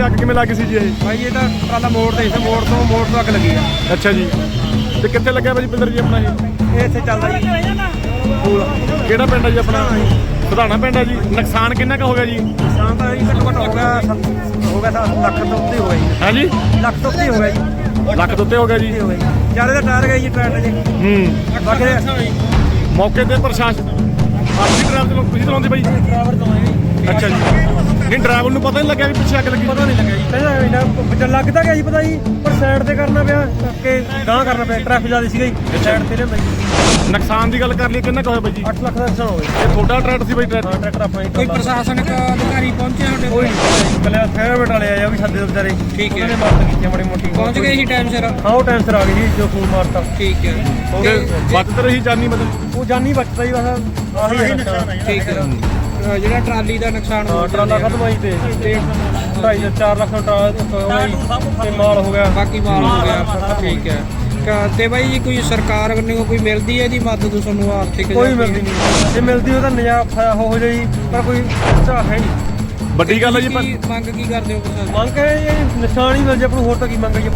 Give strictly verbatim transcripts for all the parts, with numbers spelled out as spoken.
ਅੱਗ ਕਿਵੇਂ ਲੱਗੀ ਸੀ ਜੀ ਇਹ? ਭਾਈ ਇਹ ਤਾਂ ਟਰਾਲਾ ਮੋੜ ਤੇ ਸੀ, ਮੋੜ ਤੋਂ ਮੋੜ ਤੋਂ ਅੱਗ ਲੱਗੀ ਆ। ਅੱਛਾ ਜੀ, ਤੇ ਕਿੱਥੇ ਲੱਗਿਆ ਭਾਜੀ ਪਿੰਦਰ ਜੀ ਆਪਣਾ ਇਹ? ਇਹ ਇੱਥੇ ਚੱਲਦਾ ਜੀ ਪੂਲ। ਕਿਹੜਾ ਪਿੰਡ ਹੈ ਜੀ ਆਪਣਾ? ਸਧਾਣਾ ਪਿੰਡ ਹੈ ਜੀ। ਨੁਕਸਾਨ ਕਿੰਨਾ ਕੁ ਹੋ ਗਿਆ ਜੀ? ਨੁਕਸਾਨ ਤਾਂ ਜੀ ਘੱਟੋ ਘੱਟ ਹੋ ਗਿਆ ਸੱਤ- ਹੋ ਗਿਆ ਤਾਂ ਲੱਖ ਤੋਂ ਉੱਤੇ ਹੋ ਗਿਆ ਜੀ। ਹਾਂ ਜੀ, ਲੱਖ ਤੋਂ ਉੱਤੇ ਹੋ ਗਿਆ ਜੀ। ਲੱਖ ਤੋਂ ਉੱਤੇ ਹੋ ਗਿਆ ਜੀ। ਉੱਤੇ ਹੋ ਗਿਆ ਜੀ। ਚਾਰੇ ਦਾ ਟਾਇਰ ਗਏ ਜੀ ਟਰੈਕਟਰ ਜੀ। ਹੂੰ, ਬਾਕੀ ਮੌਕੇ ਤੇ ਪ੍ਰਸ਼ਾਸਨ ਆਪਣੀ ਡਰਾਈਵਰ ਚਲੋ ਤੁਸੀਂ ਚਲਾਉਂਦੇ ਬਾਈ? ਡਰਾਈਵਰ ਤੋਂ ਆਏ ਜੀ। ਅੱਛਾ ਜੀ, ਨਹੀਂ ਡਰਾਈਵਰ ਨੂੰ ਪਤਾ ਨਹੀਂ ਲੱਗਿਆ ਵੀ ਪਿੱਛੇ ਅੱਗ ਲੱਗੀ? ਪਤਾ ਨਹੀਂ ਲੱਗਿਆ ਜੀ, ਕਹਿੰਦਾ ਇਹਨਾਂ ਬੱਚਾ ਲੱਗਦਾ ਗਿਆ ਜੀ ਪਤਾ ਜੀ, ਪਰ ਸਾਈਡ ਤੇ ਕਰਨਾ ਪਿਆ ਕਿ ਗਾਂਹ ਕਰਨਾ ਪਿਆ, ਟ੍ਰੈਫਿਕ ਜ਼ਿਆਦਾ ਸੀਗਾ ਜੀ, ਸਾਈਡ ਤੇ ਲਿਆਂਦਾ ਜੀ। ਨੁਕਸਾਨ ਦੀ ਗੱਲ ਕਰ ਲਈ ਕਿੰਨਾ ਕੁ ਹੋਇਆ ਬਾਈ ਜੀ? ਅੱਠ ਲੱਖ ਦਾ ਨੁਕਸਾਨ ਹੋ ਗਿਆ। ਇਹ ਤੁਹਾਡਾ ਟਰੈਕਟਰ ਸੀ ਬਾਈ? ਹਾਂ ਟਰੈਕਟਰ ਟਰੈਕਟਰ ਆਪਣਾ ਹੀ। ਕੋਈ ਪ੍ਰਸ਼ਾਸਨਿਕ ਅਧਿਕਾਰੀ ਪਹੁੰਚੇ ਸਾਡੇ ਕੋਈ ਕੋਲ? ਨਹੀਂ, ਕੱਲੇ ਫਾਇਰ ਵਾਲੇ ਆਏ ਆ ਵੀ ਸਾਡੇ ਵਿਚਾਰੇ। ਠੀਕ ਹੈ। ਉਹਨਾਂ ਨੇ ਮਦਦ ਕੀਤੀ ਮਾੜੀ ਮੋਟੀ। ਪਹੁੰਚ ਗਏ ਸੀ ਟਾਈਮ ਸਿਰ? ਹਾਂ ਉਹ ਟਾਈਮ ਸਿਰ ਆ ਗਏ ਜੀ, ਜੋ ਫੋਨ ਮਾਰਤਾ। ਠੀਕ ਹੈ। ਤੇ ਤੇ ਬਚਤ ਰਹੀ ਜਾਨੀ ਮਤਲਬ? ਉਹ ਜਾਨੀ ਬਚਦਾ ਜੀ, ਬਸ ਆਹੀ ਹੈ ਨੁਕਸਾਨ। ਠੀਕ ਹੈ। ਅ, ਜਿਹੜਾ ਟਰਾਲੀ ਦਾ ਨੁਕਸਾਨ ਹੋ ਹਾਂ ਟਰਾਲਾ ਖਤਮ ਆਈ ਤੇ ਤੇ ਢਾਈ ਤੋਂ ਚਾਰ ਲੱਖ ਦਾ ਟਰਾਲਾ ਤੇ ਮਾਲ ਹੋ ਗਿਆ। ਬਾਕੀ ਮਾਲ ਹੋ ਗਿਆ। ਠੀਕ ਹੈ। ਕ- ਤੇ ਬਾਈ ਜੀ ਕੋਈ ਸਰਕਾਰ ਵੱਲੋਂ ਕੋਈ ਮਿਲਦੀ ਹੈ ਇਹਦੀ ਮਦਦ ਤੁਹਾਨੂੰ ਆਰਥਿਕ? ਕੋਈ ਮਿਲਦੀ ਨਹੀਂ, ਜੇ ਮਿਲਦੀ ਉਹ ਤਾਂ ਨਜ਼ਾਰਾ ਹੋ ਜਾਈ, ਪਰ ਕੋਈ ਝਾਕ ਹੈ ਨਹੀਂ। ਵੱਡੀ ਗੱਲ ਹੈ ਜੀ। ਕੀ ਮੰਗ ਕੀ ਕਰਦੇ ਹੋ ਪ੍ਰਸ਼ਾਸਨ? ਮੰਗ ਹੈ ਇਹ ਨਿਸ਼ਾਨ ਹੀ ਮਿਲ ਜੇ ਆਪਾਂ ਨੂੰ, ਹੋਰ ਤਾਂ ਕੀ ਮੰਗ ਹੈ ਜੀ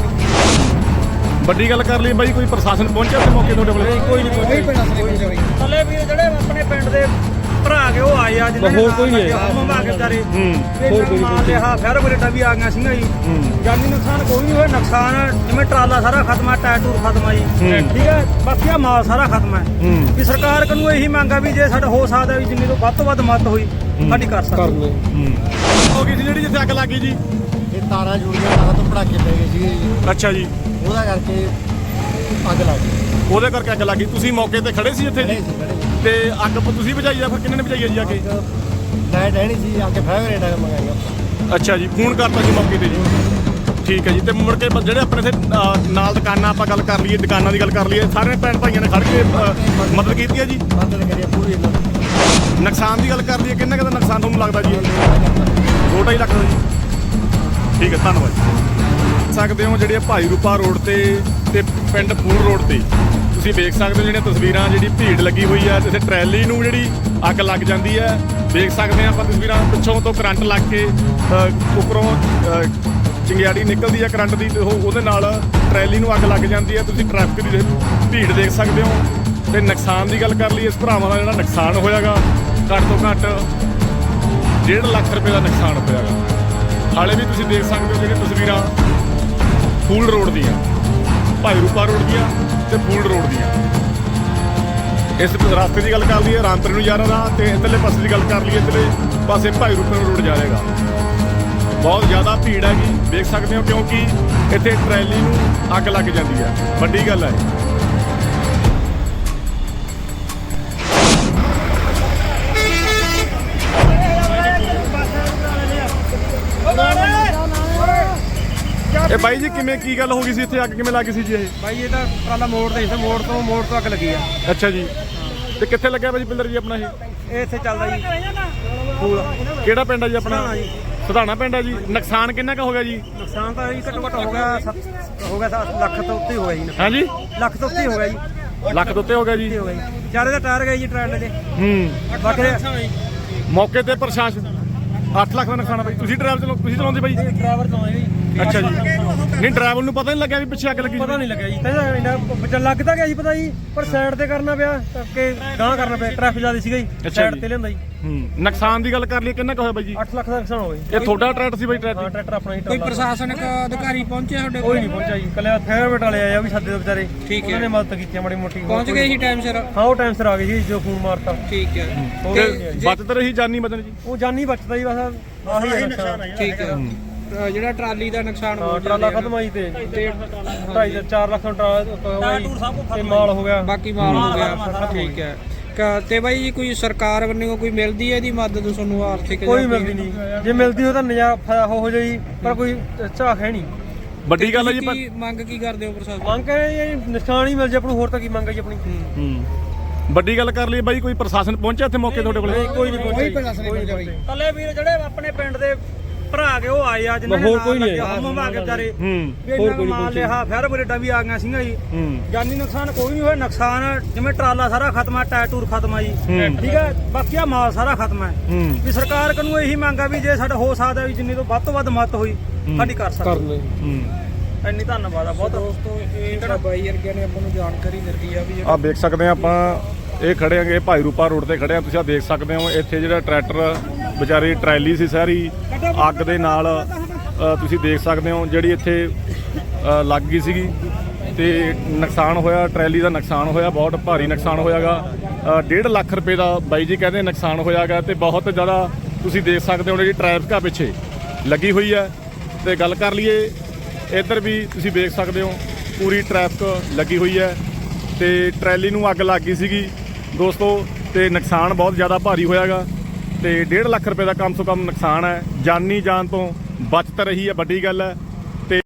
ਆਪਣੀ। ਵੱਡੀ ਗੱਲ ਕਰ ਲਈ ਬਾਈ, ਕੋਈ ਪ੍ਰਸ਼ਾਸਨ ਪਹੁੰਚਿਆ ਤੇ ਮੌਕੇ ਤੁਹਾਡੇ ਕੋਲ? ਕੋਈ ਨਹੀਂ ਕੋਈ ਪ੍ਰਸ਼ਾਸਨ ਨਹੀਂ ਪਹੁੰਚਿਆ ਬਾਈ। ਥੱਲੇ ਵੀਰ ਜਿਹੜੇ ਆਪਣੇ ਪਿੰਡ ਦੇ ਭਰਾ ਕੇ ਉਹ ਆਏ ਆ, ਜਿਹਨਾਂ ਨੇ ਹੋਰ ਕੋਈ ਨਹੀਂ ਆਇਆ ਮੰਗਾ ਕੇ ਵਿਚਾਰੇ। ਹੂੰ, ਹੋਰ ਕੋਈ ਨਹੀਂ ਤੇ ਹਾਂ ਫੇਰ ਬਰੇਟਾ ਵੀ ਆ ਗਿਆ ਸੀਗਾ ਜੀ। ਹੂੰ, ਜਾਨੀ ਨੁਕਸਾਨ ਕੋਈ ਨਹੀਂ ਹੋਇਆ। ਨੁਕਸਾਨ ਜਿਵੇਂ ਟਰਾਲਾ ਸਾਰਾ ਖਤਮ ਆ, ਟਾਇਰ ਟੂਰ ਖਤਮ ਆ ਜੀ। ਹੂੰ। ਠੀਕ ਹੈ, ਬਾਕੀ ਆ ਮਾਲ ਸਾਰਾ ਖਤਮ ਹੈ। ਹੂੰ, ਵੀ ਸਰਕਾਰ ਕੋਲੋਂ ਇਹੀ ਮੰਗ ਆ ਵੀ ਜੇ ਸਾਡਾ ਹੋ ਸਕਦਾ ਵੀ ਜਿੰਨੀ ਤੋਂ ਵੱਧ ਤੋਂ ਵੱਧ ਮਦਦ ਹੋਈ ਸਾਡੀ ਕਰ ਸਕਦੇ। ਹੂੰ। ਹੋ ਗਈ ਸੀ ਜਿਹੜੀ ਜਿੱਥੇ ਅੱਗ ਲੱਗੀ ਜੀ? ਇਹ ਤਾਰਾਂ ਜੁੜੀਆਂ, ਤਾਰਾਂ ਤੋਂ ਪੜਾਕੇ ਪੈ ਗਏ ਸੀਗੇ ਜੀ, ਅੱਛਾ ਜੀ, ਉਹਦਾ ਕਰਕੇ ਅੱਗ ਲੱਗ ਗਈ। ਉਹਦੇ ਕਰਕੇ ਅੱਗ ਲੱਗੀ। ਤੁਸੀਂ ਮੌਕੇ ਤੇ ਖੜੇ ਸੀ ਇੱਥੇ ਜੀ? ਖੜੇ ਸੀ ਖੜੇ ਤੇ ਅੱਗ ਤੁਸੀਂ ਬੁਝਾਈ ਆ ਫਿਰ ਕਿੰਨੇ ਨੇ ਬੁਝਾਈ ਆ ਜੀ ਆ ਕੇ? ਲਾਈਟ ਹੈ ਨਹੀਂ ਸੀ, ਆ ਕੇ ਫਾਇਰ ਰੇਟ ਮੰਗਾਈਆਂ। ਅੱਛਾ ਜੀ, ਫੋਨ ਕਰਤਾ ਜੀ ਮੌਕੇ ਤੇ ਜੀ? ਠੀਕ ਹੈ ਜੀ। ਤੇ ਮੁੜ ਕੇ ਬ- ਜਿਹੜੇ ਆਪਣੇ ਇੱਥੇ ਅ, ਨਾਲ ਦੁਕਾਨਾਂ ਆਪਾਂ ਗੱਲ ਕਰ ਲਈਏ, ਦੁਕਾਨਾਂ ਦੀ ਗੱਲ ਕਰ ਲਈਏ, ਸਾਰੇ ਭੈਣ ਭਾਈਆਂ ਨੇ ਖੜ ਕੇ ਅ, ਮਦਦ ਕੀਤੀ ਹੈ ਜੀ? ਮਦਦ ਕਰੀਏ ਪੂਰੀ ਇਹਨਾਂ ਦੀ। ਨੁਕਸਾਨ ਦੀ ਗੱਲ ਕਰ ਲਈਏ ਕਿੰਨਾ ਕੁ ਦਾ ਨੁਕਸਾਨ ਤੁਹਾਨੂੰ ਲੱਗਦਾ ਜੀ? ਦੋ ਢਾਈ ਲੱਖ ਦਾ ਜੀ। ਠੀਕ ਹੈ, ਧੰਨਵਾਦ ਜੀ। ਸਕਦੇ ਹੋ ਜਿਹੜੇ ਭਾਈ ਰੂਪਾ ਰੋਡ ਤੇ ਤੇ ਪਿੰਡ ਫੂਲ ਰੋਡ ਤੇ ਤੁਸੀਂ ਵੇਖ ਸਕਦੇ ਹੋ ਜਿਹੜੀਆਂ ਤਸਵੀਰਾਂ, ਜਿਹੜੀ ਭੀੜ ਲੱਗੀ ਹੋਈ ਹੈ ਤੇ ਟਰੈਲੀ ਨੂੰ ਜਿਹੜੀ ਅੱਗ ਲੱਗ ਜਾਂਦੀ ਹੈ। ਦੇਖ ਸਕਦੇ ਹਾਂ ਆਪਾਂ ਤਸਵੀਰਾਂ, ਪਿੱਛੋਂ ਤੋਂ ਕਰੰਟ ਲੱਗ ਕੇ ਅ, ਉੱਪਰੋਂ ਅ, ਚਿੰਗਿਆੜੀ ਨਿਕਲਦੀ ਹੈ ਕਰੰਟ ਦੀ, ਤੇ ਉਹ ਉਹਦੇ ਨਾਲ ਟਰੈਲੀ ਨੂੰ ਅੱਗ ਲੱਗ ਜਾਂਦੀ ਹੈ। ਤੁਸੀਂ ਟ੍ਰੈਫਿਕ ਦੀ ਭੀੜ ਦੇਖ ਸਕਦੇ ਹੋ। ਤੇ ਨੁਕਸਾਨ ਦੀ ਗੱਲ ਕਰ ਲਈ, ਇਸ ਭਰਾਵਾਂ ਦਾ ਜਿਹੜਾ ਨੁਕਸਾਨ ਹੋਇਆਗਾ ਘੱਟ ਤੋਂ ਘੱਟ ਡੇਢ ਲੱਖ ਰੁਪਏ ਦਾ ਨੁਕਸਾਨ ਹੋਇਆਗਾ। ਹਾਲੇ ਵੀ ਤੁਸੀਂ ਦੇਖ ਸਕਦੇ ਹੋ ਜਿਹੜੀਆਂ ਤਸਵੀਰਾਂ ਫੂਲ ਰੋਡ ਦੀਆਂ, ਭਾਈ ਰੂਪਾ ਰੋਡ ਦੀਆਂ ਤੇ ਫੂਲ ਰੋਡ ਦੀਆਂ। ਇਸ ਰਸਤੇ ਦੀ ਗੱਲ ਕਰ ਲਈਏ ਰਾਮਪੁਰ ਨੂੰ ਜਾ ਰਿਹਾ, ਤੇ ਇੱਧਰਲੇ ਪਾਸੇ ਦੀ ਗੱਲ ਕਰ ਲਈਏ ਇੱਧਰਲੇ ਪਾਸੇ ਭਾਈ ਰੂਪਾ ਰੋਡ ਜਾ ਰਹੇਗਾ। ਬਹੁਤ ਜ਼ਿਆਦਾ ਭੀੜ ਹੈਗੀ, ਦੇਖ ਸਕਦੇ ਹੋ, ਕਿਉਂਕਿ ਇੱਥੇ ਟਰੈਲੀ ਨੂੰ ਅੱਗ ਲੱਗ ਜਾਂਦੀ ਹੈ। ਵੱਡੀ ਗੱਲ ਹੈ। ਇਹ ਬਾਈ ਜੀ ਕਿਵੇਂ ਕੀ ਗੱਲ ਹੋ ਗਈ ਸੀ ਇੱਥੇ? ਅੱਗ ਕਿਵੇਂ ਲੱਗੀ ਸੀ ਜੀ ਇਹ? ਭਾਈ ਇਹ ਤਾਂ ਟਰਾਲਾ ਮੋੜ ਤੇ ਸੀ, ਮੋੜ ਤੋਂ ਮੋੜ ਤੋਂ ਅੱਗ ਲੱਗੀ ਆ। ਅੱਛਾ ਜੀ, ਤੇ ਕਿੱਥੇ ਲੱਗਿਆ ਭਾਜੀ ਪਿੰਦਰ ਜੀ ਆਪਣਾ ਇਹ? ਇਹ ਇੱਥੇ ਚੱਲਦਾ ਜੀ ਪੂਲ। ਕਿਹੜਾ ਪਿੰਡ ਹੈ ਜੀ ਆਪਣਾ? ਸਧਾਣਾ ਜੀ। ਸਧਾਣਾ ਪਿੰਡ ਹੈ ਜੀ। ਨੁਕਸਾਨ ਕਿੰਨਾ ਕੁ ਹੋ ਗਿਆ ਜੀ? ਨੁਕਸਾਨ ਤਾਂ ਜੀ ਘੱਟੋ ਘੱਟ ਹੋ ਗਿਆ ਸੱਤ- ਹੋ ਗਿਆ ਸੱਤ ਲੱਖ ਤੋਂ ਉੱਤੇ ਹੋ ਗਿਆ ਜੀ। ਹਾਂ ਜੀ, ਲੱਖ ਤੋਂ ਉੱਤੇ ਹੋ ਗਿਆ ਜੀ। ਲੱਖ ਤੋਂ ਉੱਤੇ ਹੋ ਗਿਆ ਜੀ। ਉੱਤੇ ਹੋ ਗਿਆ ਜੀ। ਚਾਰੇ ਦਾ ਟਾਇਰ ਗਏ ਜੀ ਟਰੈਕਟਰ ਦੇ। ਹੂੰ, ਬਾਕੀ ਮੌਕੇ ਤੇ ਪ੍ਰਸ਼ਾਸਨ ਅੱਠ ਲੱਖ ਦਾ ਨੁਕਸਾਨ ਆ ਬਾਈ। ਤੁਸੀਂ ਡਰਾਈਵਰ ਚਲੋ ਤੁਸੀਂ ਚਲਾਉਂਦੇ ਬਾਈ? ਡਰਾਈਵਰ ਤੋਂ ਆਏ ਜੀ। ਅੱਛਾ ਜੀ, ਨਹੀਂ ਡਰਾਈਵਰ ਨੂੰ ਪਤਾ ਨਹੀਂ ਲੱਗਿਆ ਵੀ ਪਿੱਛੇ ਅੱਗ ਲੱਗੀ? ਪਤਾ ਨਹੀਂ ਲੱਗਿਆ ਜੀ, ਕਹਿੰਦਾ ਇਹਨਾਂ ਬੱਚਾ ਲੱਗਦਾ ਗਿਆ ਜੀ ਪਤਾ ਜੀ, ਪਰ ਸਾਈਡ ਤੇ ਕਰਨਾ ਪਿਆ ਕਿ ਗਾਂਹ ਕਰਨਾ ਪਿਆ, ਟ੍ਰੈਫਿਕ ਜ਼ਿਆਦਾ ਸੀਗਾ ਜੀ, ਅੱਛਾ ਸਾਈਡ ਜੀ। ਤੇ ਲਿਆਂਦਾ ਜੀ। ਹੂੰ, ਨੁਕਸਾਨ ਦੀ ਗੱਲ ਕਰ ਲਈ ਕਿੰਨਾ ਕੁ ਹੋਇਆ ਬਾਈ ਜੀ? ਅੱਠ ਲੱਖ ਦਾ ਨੁਕਸਾਨ ਹੋ ਗਿਆ। ਇਹ ਤੁਹਾਡਾ ਟਰੈਕਟਰ ਸੀ ਬਾਈ? ਹਾਂ ਟਰੈਕਟਰ ਟਰੈਕਟਰ ਆਪਣਾ ਹੀ। ਕੋਈ ਪ੍ਰਸ਼ਾਸਨਿਕ ਅਧਿਕਾਰੀ ਪਹੁੰਚੇ ਸਾਡੇ ਕੋਈ ਕੋਲ? ਨਹੀਂ ਪਹੁੰਚਿਆ ਜੀ, ਕੱਲੇ ਫਾਇਰ ਵਾਲੇ ਆਏ ਆ ਵੀ ਸਾਡੇ ਵਿਚਾਰੇ। ਠੀਕ ਹੈ। ਉਹਨਾਂ ਨੇ ਮਦਦ ਕੀਤੀ ਮਾੜੀ ਮੋਟੀ। ਪਹੁੰਚ ਗਏ ਸੀ ਟਾਈਮ ਸਿਰ? ਹਾਂ ਉਹ ਟਾਈਮ ਸਿਰ ਆ ਗਏ ਜੀ, ਜੋ ਫੋਨ ਮਾਰਤਾ। ਠੀਕ ਹੈ। ਤੇ ਤੇ ਬਚਤ ਰਹੀ ਜਾਨੀ ਮਤਲਬ ਜੀ? ਉਹ ਜਾਨੀ ਬਚਦਾ ਜੀ, ਬਸ ਆਹੀ ਹੈ ਨੁਕਸਾਨ। ਠੀਕ ਹੈ। ਅ, ਜਿਹੜਾ ਟਰਾਲੀ ਦਾ ਨੁਕਸਾਨ ਹੋ ਹਾਂ ਗਿਆ ਟਰਾਲਾ ਖਤਮ ਆਈ ਤੇ ਢਾਈ ਤੋਂ ਚਾਰ ਲੱਖ ਦਾ ਟਰਾਲਾ ਤੇ ਮਾਲ ਹੋ ਗਿਆ। ਬਾਕੀ ਮਾਲ ਹੋ ਗਿਆ। ਠੀਕ ਹੈ। ਕ- ਤੇ ਬਾਈ ਜੀ ਕੋਈ ਸਰਕਾਰ ਵੱਲੋਂ ਕੋਈ ਮਿਲਦੀ ਹੈ ਇਹਦੀ ਮਦਦ ਤੁਹਾਨੂੰ ਆਰਥਿਕ? ਕੋਈ ਮਿਲਦੀ ਨਹੀਂ, ਜੇ ਮਿਲਦੀ ਉਹ ਤਾਂ ਨਜ਼ਾਰਾ ਹੋ ਜਾਈ, ਪਰ ਕੋਈ ਝਾਕ ਹੈ ਨਹੀਂ। ਵੱਡੀ ਗੱਲ ਹੈ ਜੀ। ਕੀ ਮੰਗ ਕੀ ਕਰਦੇ ਹੋ ਪ੍ਰਸ਼ਾਸਨ? ਮੰਗ ਹੈ ਇਹ ਨਿਸ਼ਾਨ ਹੀ ਮਿਲ ਜੇ ਆਪਾਂ ਨੂੰ, ਹੋਰ ਤਾਂ ਕੀ ਮੰਗ ਹੈ ਜੀ ਆਪਣੀ। ਹੂੰ, ਵੱਡੀ ਗੱਲ ਕਰ ਲਈ ਬਾਈ, ਕੋਈ ਪ੍ਰਸ਼ਾਸਨ ਪਹੁੰਚਿਆ ਇੱਥੇ ਮੌਕੇ ਤੁਹਾਡੇ ਕੋਲ? ਕੋਈ ਨਹੀਂ ਕੋਈ ਪ੍ਰਸ਼ਾਸਨ ਨਹੀਂ ਪਹੁੰਚਿਆ ਬਾਈ। ਕੱਲੇ ਵੀਰ ਜਿਹੜੇ ਆਪਣੇ ਪਿੰਡ ਦੇ ਭਰਾ ਕੇ ਉਹ ਆਏ ਆ ਜਿਨ੍ਹਾਂ ਨੇ ਹੋਰ ਨਾਲ ਕੋਈ ਨਹੀਂ ਲੱਗਿਆ, ਆਇਆ। ਹਮ ਹਮਾ ਕੇ ਵਿਚਾਰੇ ਹੂੰ ਵੀ ਇਹਨਾਂ ਨੂੰ ਮਾਲ ਲਿਆ ਫੇਰ ਬਰੇਡਾਂ ਵੀ ਆ ਗਈਆਂ ਸੀਗੀਆਂ ਜੀ ਹੂੰ ਜਾਨੀ ਨੁਕਸਾਨ ਕੋਈ ਨਹੀਂ ਹੋਇਆ ਨੁਕਸਾਨ ਜਿਵੇਂ ਟਰਾਲਾ ਸਾਰਾ ਖਤਮ ਆ ਟਾਇਰ ਟੂਰ ਖਤਮ ਆ ਜੀ ਹੂੰ। ਠੀਕ ਹੈ ਬਾਕੀ ਆ ਮਾਲ ਸਾਰਾ ਖਤਮ ਹੈ ਹੂੰ ਵੀ ਸਰਕਾਰ ਕੋਲੋਂ ਇਹੀ ਮੰਗ ਆ ਵੀ ਜੇ ਸਾਡਾ ਹੋ ਸਕਦਾ ਵੀ ਜਿੰਨੀ ਤੋਂ ਵੱਧ ਤੋਂ ਵੱਧ ਮਦਦ ਹੋਈ ਸਾਡੀ ਕਰ ਕਰ ਸਕਦੇ ਲੈ ਹੂੰ ਇੰਨੀ ਧੰਨਵਾਦ ਆ ਬਹੁਤ ਦੋਸਤੋ ਇਹ ਜਿਹੜਾ ਬਾਈ ਵਰਗਿਆਂ ਨੇ ਆਪਾਂ ਨੂੰ ਜਾਣਕਾਰੀ ਦਿੱਤੀ ਆ ਵੀ ਆ ਦੇਖ ਸਕਦੇ ਆ ਆਪਾਂ ਇਹ ਖੜੇ ਆਂਗੇ ਭਾਈ ਰੂਪਾ ਰੋਡ ਤੇ ਖੜੇ ਆ ਤੁਸੀਂ ਆ ਦੇਖ ਸਕਦੇ ਹੋ ਇੱਥੇ ਜਿਹੜਾ ਟਰੈਕਟਰ ਵਿਚਾਰੀ ਟਰੈਲੀ ਸੀ ਸਾਰੀ ਅੱਗ ਦੇ ਨਾਲ ਅ, ਤੁਸੀਂ ਦੇਖ ਸਕਦੇ ਹੋ ਜਿਹੜੀ ਇੱਥੇ ਅ, ਲੱਗ ਗਈ ਸੀਗੀ ਤੇ ਨੁਕਸਾਨ ਹੋਇਆ ਟਰੈਲੀ ਦਾ ਨੁਕਸਾਨ ਹੋਇਆ ਬਹੁਤ ਭਾਰੀ ਨੁਕਸਾਨ ਹੋਇਆਗਾ ਡੇਢ ਲੱਖ ਰੁਪਏ ਦਾ ਬਾਈ ਜੀ ਕਹਿੰਦੇ ਨੁਕਸਾਨ ਹੋਇਆਗਾ ਤੇ ਬਹੁਤ ਜ਼ਿਆਦਾ ਤੁਸੀਂ ਦੇਖ ਸਕਦੇ ਹੋ ਜਿਹੜੀ ਟ੍ਰੈਫਿਕ ਆ ਪਿੱਛੇ ਲੱਗੀ ਹੋਈ ਹੈ ਤੇ ਗੱਲ ਕਰ ਲਈਏ ਇੱਧਰ ਵੀ ਤੁਸੀਂ ਦੇਖ ਸਕਦੇ ਹੋ ਪੂਰੀ ਟ੍ਰੈਫਿਕ ਲੱਗੀ ਹੋਈ ਹੈ ਤੇ ਟਰੈਲੀ ਨੂੰ ਅੱਗ ਲੱਗ ਗਈ ਸੀਗੀ ਦੋਸਤੋ ਤੇ ਨੁਕਸਾਨ ਬਹੁਤ ਜ਼ਿਆਦਾ ਭਾਰੀ ਹੋਇਆਗਾ ਤੇ ਡੇਢ ਲੱਖ ਰੁਪਏ ਦਾ ਕਮ ਤੋਂ ਕਮ ਨੁਕਸਾਨ ਹੈ ਜਾਨੀ ਜਾਨ ਤੋਂ ਬਚਤ ਰਹੀ ਹੈ ਵੱਡੀ ਗੱਲ ਹੈ